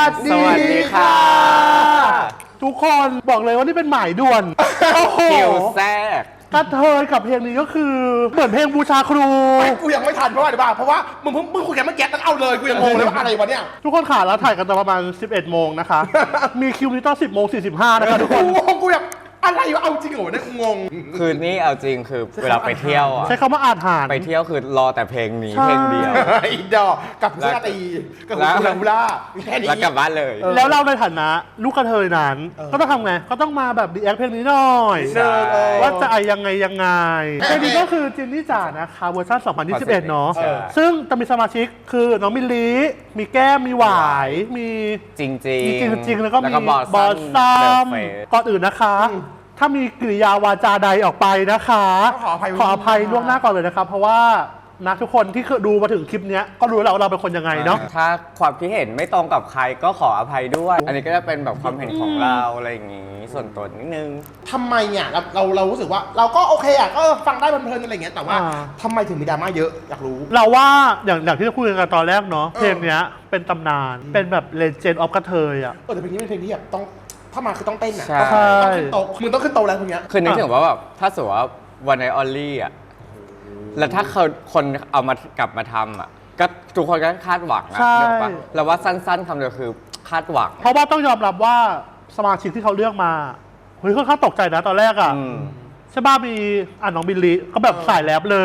สวัสดีค่ะทุกคนบอกเลยว่านี่เป็นหมายด่วน โอ้โหคิวแทรกกระเทยกับเพลงนี้ก็คือเหมือนเพลงบูชาครูกูยังไม่ทันเพราะว่าอะไรบ้างเพราะว่ามึงคุยกันเมื่อกี้ตั้งเอาเลยกูยังงงเลยว่าอะไรวะเนี่ยทุกคนขาเราถ่ายกันตอนประมาณ 11 โมงนะคะ มีคิวนี้ตอน 10 โมง 45 นะคะทุกคนกูแบบอะไรวะเอาจริงเหรอเนี่ยกูงงคือนี่เอาจริงคือเวลาไปเที่ยวอะใช้คำว่าอาถรรพ์ไปเที่ยวคือรอแต่เพลงนี้ใช่เพลงเดียวอีดอกกับกุลาตีกับกุลาแค่นี้แล้วกลับบ้านเลยแล้วเราในฐานะลูกกระเทยนั้น ก็ต้องทำไง ก็ต้องมาแบบดีแอคเพลงนี้หน่อยใช่ว่าจะยังไงเพลงนี้ก็คือจินนี่จ๋านะคะเวอร์ชัน2021 เนาะใช่ซึ่งจะมีสมาชิกคือน้องมิลลีมีแก้มมีหวายมีจริงมีจริงๆแล้วก็มีบอบอสสซัซัมมก่อนอื่นนะคะ ถ้ามีกริยาวาจาใดออกไปนะคะขออภัยขออภัยล่วงหน้าก่อนเลยนะครับ เพราะว่านะทุกคนที่ดูมาถึงคลิปเนี้ยก็รู้แล้วว่าเราเป็นคนยังไงเนาะถ้าความคิดเห็นไม่ตรงกับใครก็ขออภัยด้วย อันนี้ก็จะเป็นแบบความเห็นของเราอะไรอย่างงี้ ส่วนตัวนิดนึงทำไมเนี่ยเรารู้สึกว่าเราก็โอเคอ่ะก็ฟังได้เพลินๆอะไรอย่างเงี้ยแต่ว่าทำไมถึงมีดราม่าเยอะอยากรู้เราว่าอย่างที่เราคุยกันตอนแรกเนาะเพลงเนี้ยเป็นตำนานเป็นแบบเลเจนด์ออฟกระเทยอ่ะแต่เพลงนี้เป็นเพลงที่แบบต้องถ้ามาคือต้องเต้นอ่ะใช่ต้องขึ้นโตะมึงต้องขึ้นโตะแล้วพวกเนี้ยคือนึกถึงว่าแบบถ้าสมมติว่าวันในออลลี่อ่ะ แล้วถ้าคนเอามากลับมาทำอ่ะ ก็ทุกคนก็คาดหวังอะใช่นึกออกปะแล้วว่าสั้นๆคำเดียวคือคาดหวังเพราะว่าต้องยอมรับว่าสมาชิกที่เขาเลือกมาเฮ้ยค่อนข้างตกใจนะตอนแรกอ่ะอืมใช่ป่ะมีน้องบิลลี่ก็แบบสายแรปเลย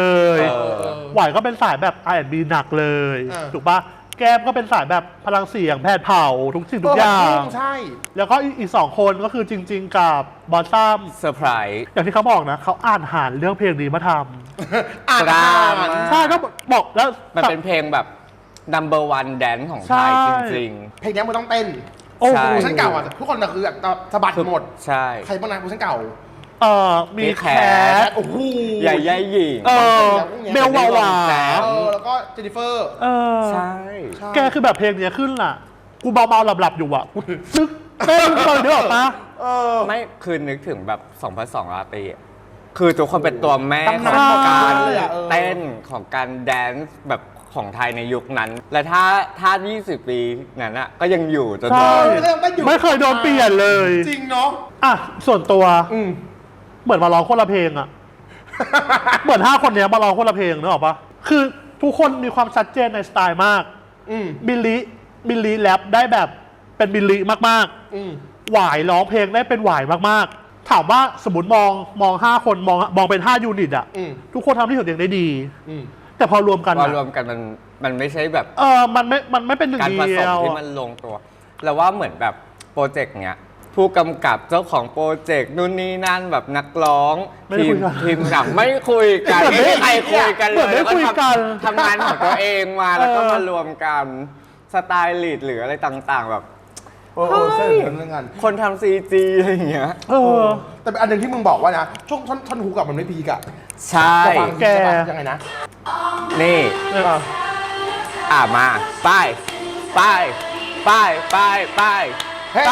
เออหวายก็เป็นสายแบบ R&B หนักเลย ถูกป่ะแก้มก็เป็นสายแบบพลังเสียงแผดเผาทุกสิ่งทุกอย่างใช่แล้วก็อีก2 คนก็คือจริง ๆ กับบอสซัมเซอร์ไพรส์อย่างที่เขาบอกนะเขาอ่านหารเรื่องเพลงนี้มาทอ่านดราม่าำใช่ก็บอกแล้วมันเป็นเพลงแบบ number one dance ของไทยใช่จริงเพลงนี้มันต้องเต้นโอ้โหใช่เวอร์ชันเก่าอ่ะทุกคนคือแบบสะบัดๆหมดใช่ใครบ้างนะเวอร์ชันเก่ามีมีแคแคทโอ้โหใหญ่ใหญ่หญิงเบลวาวาแล้วก็เจนนิเฟอร์ใช่แกคือแบบเพลงเนี้ยขึ้นล่ะ กูเบาๆหลับๆอยู่อ่ะกูนึกเต้นตอนเดียวออกปะไม่คือนึกถึงแบบ2002ราตรีอะคือทุกคนเป็นตัวแม่ขตำนานองการเลยอะเต้นของการแดนซ์แบบของไทยในยุคนั้น และถ้า 20 ปีนั้นอะก็ยังอยู่จนใช่ถึงไม่เคยโดนเปลี่ยนเลยจริงเนาะอ่ะส่วนตัวอืมเหมือนมาร้องคนละเพลงอ่ะ เหมือน5 คนเนี้ยมาร้องคนละเพลงนึกออกปะคือทุกคนมีความชัดเจนในสไตล์มากอืมบิลลี่แรปได้แบบเป็นบิลลี่มากอืมๆหวายร้องเพลงได้เป็นหวายมากๆ ถามว่าสมมติมอง5 คนมองเป็น5 ยูนิตอ่ะอืมทุกคนทำที่ของตัวเองได้ดีอืมแต่พอรวมกันพออะรวมกันมันไม่ใช่แบบมันไม่เป็นหนึ่งการผเดีสมยวที่มันลงตัว แล้วว่าเหมือนแบบโปรเจกต์เนี้ยผู้กำกับเจ้าของโปรเจกต์นู่นนี่นั่นแบบนักร้องไม่ได้คุยกันทีมหนังไม่คุยกันเหมือนไม่ไม่มีใครคุยกันเหเลมือนยไม่แล้วก็คุยกันทำงานของตัวเองมาแล้วก็เออมารวมกันสไตล์ลีดหรืออะไรต่างๆ แบบโอ้โหเส้นเรื่องงานคนทำซีจีอะไรอย่างเงี้ยแต่เป็นอันหนึ่งที่มึงบอกว่านะช่วงท่อนฮุกกับมันไม่พีกอะใช่จะฟังแกยังไงนะนี่ มาไปไปไปไปไปเฮ้ยไป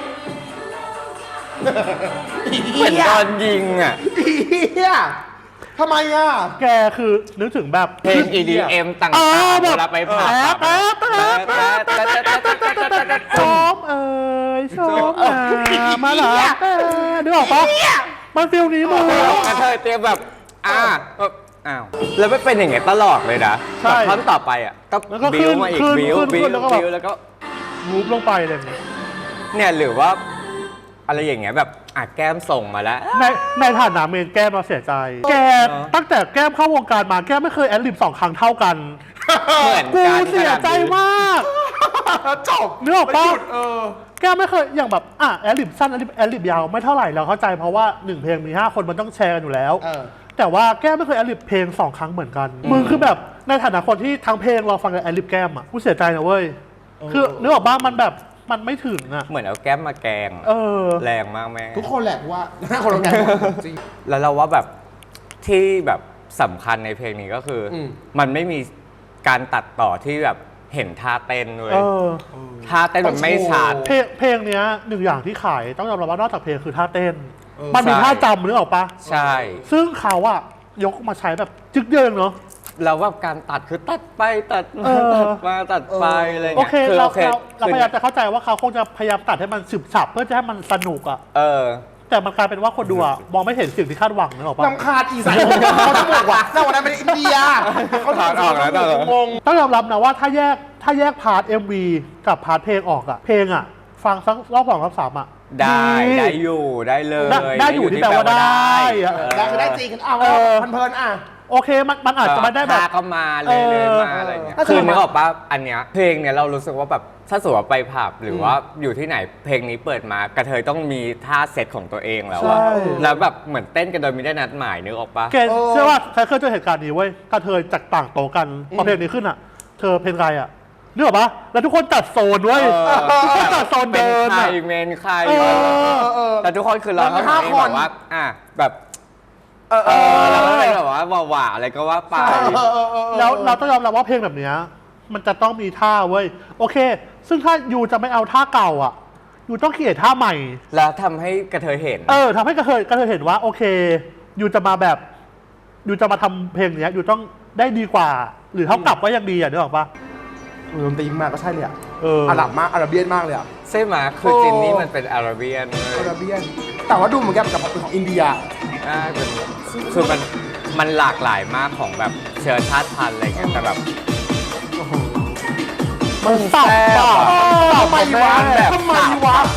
เหมือนโดนยิงอ่ะเฮียทำไมอ่ะแกคือนึกถึงแบบเพลง EDM ต่างเออๆแบบเวลาไปผับชมชมมาเหรอนึกออกปะมันฟิลนี้มึงกระเทยเตรียมแบบแบบอ้าวแล้วไม่เป็นอย่างเงี้ยตลอดเลยนะใช่แบบท่อนต่อไปอ่ะก็แล้วก็บิวมาอีกขึ้นบิวขึ้นบิวขึ้นแล้วก็แบบบิวแล้วก็มูฟลงไปอะไรอย่างเงี้ยเนี่ยหรือว่าอะไรอย่างเงี้ยแบบแก้มส่งมาแล้วในฐานะเมนแก้มเราเสียใจ แกตั้งแต่แก้มเข้าวงการมาแก้มไม่เคยแอดลิป2 ครั้งเท่ากันเหมือนกูกันเสียใจมากจบนึกออกปะไม่หยุดแก้มไม่เคยอย่างแบบแอดลิปสั้นแอดลิปยาวไม่เท่าไหร่เราเข้าใจเพราะว่า1 เพลงมี 5 คนมันต้องแชร์กันอยู่แล้ว แต่ว่าแก้มไม่เคยแอดลิปเพลง2 ครั้งเหมือนกัน มึงคือแบบในฐานะคนที่ทั้งเพลงเราฟังกับแอดลิปแก้มอ่ะกูเสียใจนะเว้ยคือนึกออกปะมันแบบมันไม่ถึงอ่ะเหมือนเอาแก้มมาแกง แรงมากแม่ทุกคนแหละว่า5 คนเราแกจริงแล้วเราว่าแบบที่แบบสำคัญในเพลงนี้ก็คืออมมันไม่มีการตัดต่อที่แบบเห็นท่าเต้นเลยท่าเต้นมันไม่ชัดเพลงเนี้ย1 อย่างที่ขายต้องยอมรับว่านอกจากเพลงคือท่าเต้น มันมีใช่ท่าจำนึกออกปะใช่ซึ่งเขาอะยกมาใช้แบบจึ๊กเดียวเองเนาะแล้วแบบการตัดคือตัดไปตัดมาเออตัดมาตัดไปอะไรโอเงี้ยเคคือเราโอเคเราพยายามจะเข้าใจว่าเขาคงจะพยายามตัดให้มันฉึบฉับเพื่อจะให้มันสนุกอ่ะเออแต่มันกลายเป็นว่าคนดูอ่ะมองไม่เห็นสิ่งที่คาดหวังนึกออกปะลำคาญอีสานเขาจะบอกว่าแต่วันนั้นเป็นอินเดียเขาจะออกแล้วงงต้องยอมรับนะว่าถ้าแยกพาร์ท MV กับพาร์ทเพลงออกอ่ะเพลงอ่ะฟังสักรอบสองรอบสามอ่ะได้อยู่ได้เลยได้อยู่ที่แปลว่าได้อะได้คือได้จริงเอาเพลินๆอ่ะโอเคมันอาจจะไม่ได้แบบท่าก็มาเลยมาอะไรเงี้ยเออคือนึกออกปะอันเนี้ยเพลงเนี่ยเรารู้สึกว่าแบบถ้าสมมติว่าไปผับหรือว่าอยู่ที่ไหนเพลงนี้เปิดมากระเทยต้องมีท่าเซตของตัวเองแล้วอะใช่แล้วแบบเหมือนเต้นกันโดยไม่ได้นัดหมายนึกออกปะแกเชื่อว่าใครเคยเจอเหตุการณ์นี้เว้ยกระเทยจากต่างโต๊ะกันพอเพลงนี้ขึ้นอ่ะ เธอเพลงไรอ่ะนึกออกปะแล้วทุกคนจัดโซนเว้ยทุกคนจัดโซนเป็นเดินใครอะเมนใครเออแต่ทุกคนคือเรามันเขา 5 ไม่คนแบบว่าแบบแล้วก็เป็นแบบว่าหวาๆอะไรก็ว่าไปแล้วเราต้องยอมรับว่าเพลงแบบเนี้ยมันจะต้องมีท่าเว้ยโอเค ซึ่งถ้ายูจะไม่เอาท่าเก่าอ่ะยูต้องเขียนท่าใหม่แล้วทำให้กระเทยเห็นทำให้กระเทยเห็นว่าโอเคยูจะมาแบบยูจะมาทำเพลงเนี้ยยูต้องได้ดีกว่า หรือเท่ากับก็ยังดีอ่ะนึกออกปะดนตรีมาก็ใช่เลยอ่ะอาหรับมากอาราเบียนมากเลยอ่ะใช่ไหมคือจินนี่มันเป็นอาราเบียนอาราเบียนแต่ว่าดูเหมือนกับเป็นของอินเดียคือมันหลากหลายมากของแบบเชื้อชาติพันธุ์อะไรเงี้ยแต่แบบมันสับแซ่บอะอะทำไมวะแบบทำไมวะ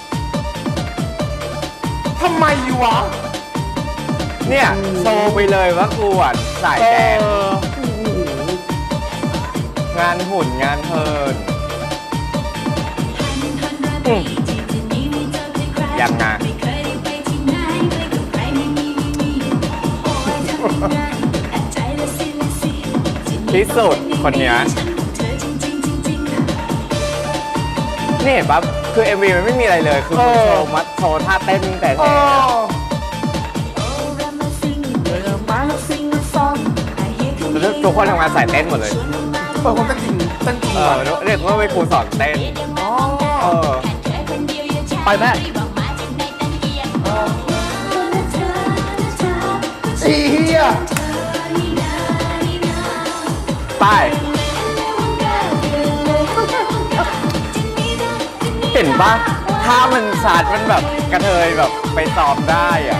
ทำไมวะเนี่ยโชว์ไปเลยว่ากูอ่ะสายแดงงานหุ่นงานเพลินยังไงที่สุดคนเนี้ยนี่เห็นปะคือ MV มันไม่มีอะไรเลย คือมันโชว์ท่าเต้นแต่แท้แล้วทุกคนทำงานสายเต้นหมดเลยคนก็จริงเต้นจริงเรียกว่าเป็นครูสอนเต้นไปแม่อีเหี้ยไป เห็นปะถ้ามันสาดมันแบบกระเทยแบบไปสอบได้อ่ะ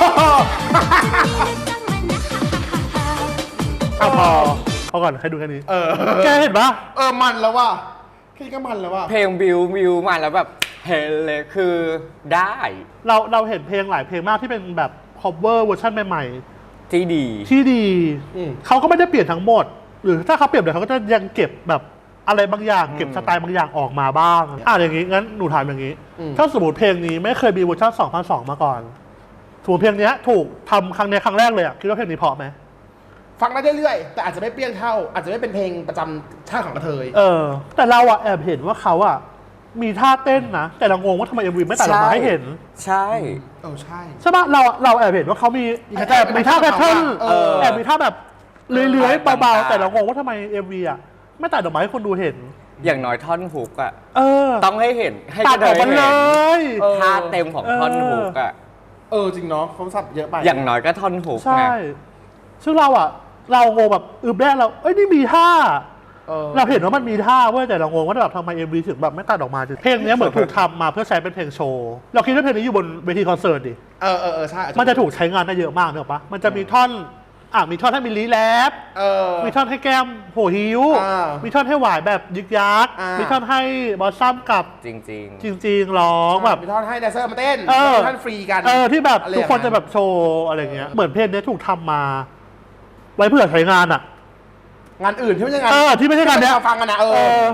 เอาพอก่อนให้ดูแค่นี้ แกเห็นปะมันแล้วว่ะแค่นี้ก็มันแล้วว่ะเพลงวิวมาแล้วแบบเห็นเลยคือได้เราเห็นเพลงหลายเพลงมากที่เป็นแบบ cover เวอร์ชันใหม่ที่ดีๆที่ดี เขาก็ไม่ได้เปลี่ยนทั้งหมด หรือถ้าเขาเปลี่ยนเดี๋ยวเขาก็จะยังเก็บแบบอะไรบางอย่างเก็บสไตล์บางอย่างออกมาบ้างอย่างนี้งั้นหนูถามอย่างนี้ ถ้าสมมติเพลงนี้ไม่เคยมีเวอร์ชัน2002 มาก่อนสมมติเพลงนี้ถูกทำครั้งแรกเลยอะคิดว่าเพลงนี้เพราะไหมฟังได้เรื่อยๆแต่อาจจะไม่เปรี้ยงเท่า อาจจะไม่เป็นเพลงประจำชาติของกระเทยแต่เราอะแอบเห็นว่าเขาอะมีท่าเต้นนะ แต่เรางงว่าทำไม MV ไม่ตัดออกมาให้เห็นใช่ใช่ใช่ปะเราแอบเห็นว่าเขามีแอบมีท่าแพทเทิร์นแอบมีท่าแบบเลื้อยๆเบาๆแต่เรางงว่าทำไม MV อะไม่ตัดออกมาให้คนดูเห็นอย่างน้อยท่อนฮุกอ่ะต้ต้องให้เห็นให้ตักดระอเทอกยมาเลเห็นยท่าเต็มของท่อนฮุกอ่ะจริงเนาะเขาสับเยอะไปอย่างน้อยก็ท่อนฮุกใช่ไงซึ่งเรางงแบบแรกเรานี่มีท่า เราเห็นว่ามันมีท่าเว้ยแต่เรางงว่าแบบทำไม MV ถึงแบบไม่ตัดออกมาเพลงนี้เหมือนถูกทำมาเพื่อใช้เป็นเพลงโชว์เราคิดว่าเพลงนี้อยู่บนเวทีคอนเสิร์ตดิใช่มันจะถูกใช้งานได้เยอะมากเนอะปะมันจะมีท่อนมีท่อนให้มิลลีแรปมีท่อนให้แก้มโหหิวมีท่อนให้หวายแบบยึกยักมีท่อนให้บอสซัมกับจริงจริงๆร้องแบบมีท่อนให้แดนเซอร์มาเต้นมีท่อนฟรีกันที่แบบทุกคนจะแบบโชว์อะไรเงี้ยเหมือนเพลงนี้ถูกทำมา ไว้เพื่อใช้งานอะงานอื่นที่ไม่ใช่งานที่ไม่ใช่งานเนี้ยฟังกันนะ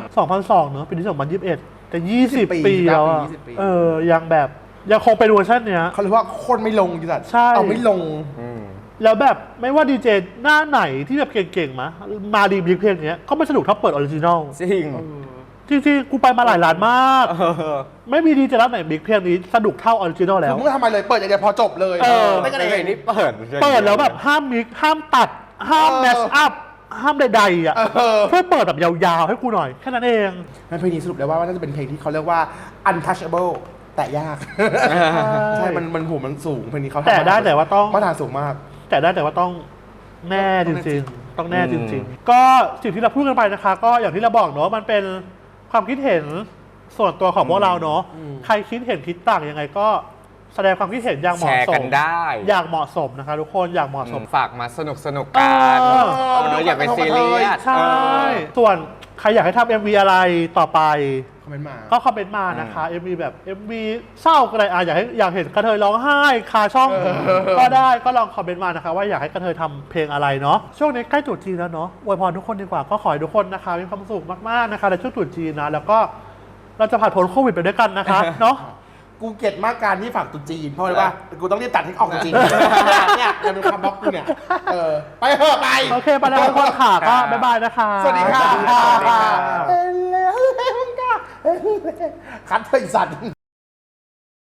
2002 เนอะปีนี้2021แต่20 ปีปีแล้วอะ 20 ปียังแบบยังคงเป็นเวอร์ชันเนี้ยเขาเรียกว่าคนไม่ลงจริงๆใช่เอาไม่ลงแล้วแบบไม่ว่าดีเจหน้าไหนที่แบบเก่งๆมาดีมิกเพลงเนี้ยก็ไม่สนุกเท่าเปิดออริจินอลจริงจริงๆกูไปมาหลายร้านมาก ไม่มีดีเจร้านไหนมิกเพลงนี้สนุกเท่าออริจินอลแล้วมึงไม่ทำอะไรเลย เปิดอย่างเดียวพอจบเลยไม่กันเองนี่เปิดแล้วแบบห้ามมิกห้ามตัดห้ามแมชอัพห้ามใดๆอ่ะเพื่อเปิดแบบยาวๆให้กูหน่อยแค่นั้นเองเพลงนี้สรุปได้ว่าน่าจะเป็นเพลงที่เขาเรียกว่า untouchable แต่ยาก ใช่ มันหูมันสูงเพลงนี้เขาแต่ได้แต่ว่าต้องมาตรฐานสูงมากแต่ได้แต่ว่าต้องแน่จริงๆ ต้องแน่จริงๆ ก็สิ่งที่เราพูดกันไปนะคะ ก็อย่างที่เราบอกเนาะมันเป็นความคิดเห็นส่วนตัวของพวกเราเนาะใครคิดเห็นคิดต่างยังไงก็แสดงความคิดเห็นอย่างเหแชมาะร์สกันมได้อย่างเหมาะสมนะคะทุกคนอย่างเหมาะสมฝากมาสนุกกัน อย่าไปซีเรียสใช่ ส่วนใครอยากให้ทำ MV อะไรต่อไปคอมเมนต์มาก็คอมเมนต์มานะคะ MV แบบ MV เศร้าก็ได้อยากเห็นกระเทยร้องไห้คาช่อง ก็ได้ก็ลองคอมเมนต์มานะคะว่าอยากให้กระเทยทำเพลงอะไรเนาะช่วงนี้ใกล้ตรุษจีนแล้วเนาะอวยพรทุกคนดีกว่าก็ขอให้ทุกคนนะคะมีความสุขมากๆนะคะในช่วงตรุษจีนนะแล้วก็เราจะผ่านพ้นโควิดไปด้วยกันนะคะ เนาะกูเกลียดมากการที่ฝากตุ๊จีนเพราะอะไรวะกูต้องรีบตัดให้ออกจริงเนี่ยจะเป็นคำบล็อกกูเนี่ยไปเถอะไปโอเคไปแล้วทุกคนค่ะก็บ๊ายบายนะคะสวัสดีค่ะสวัสดีค่ะคัดเถอะไอ้สัตว์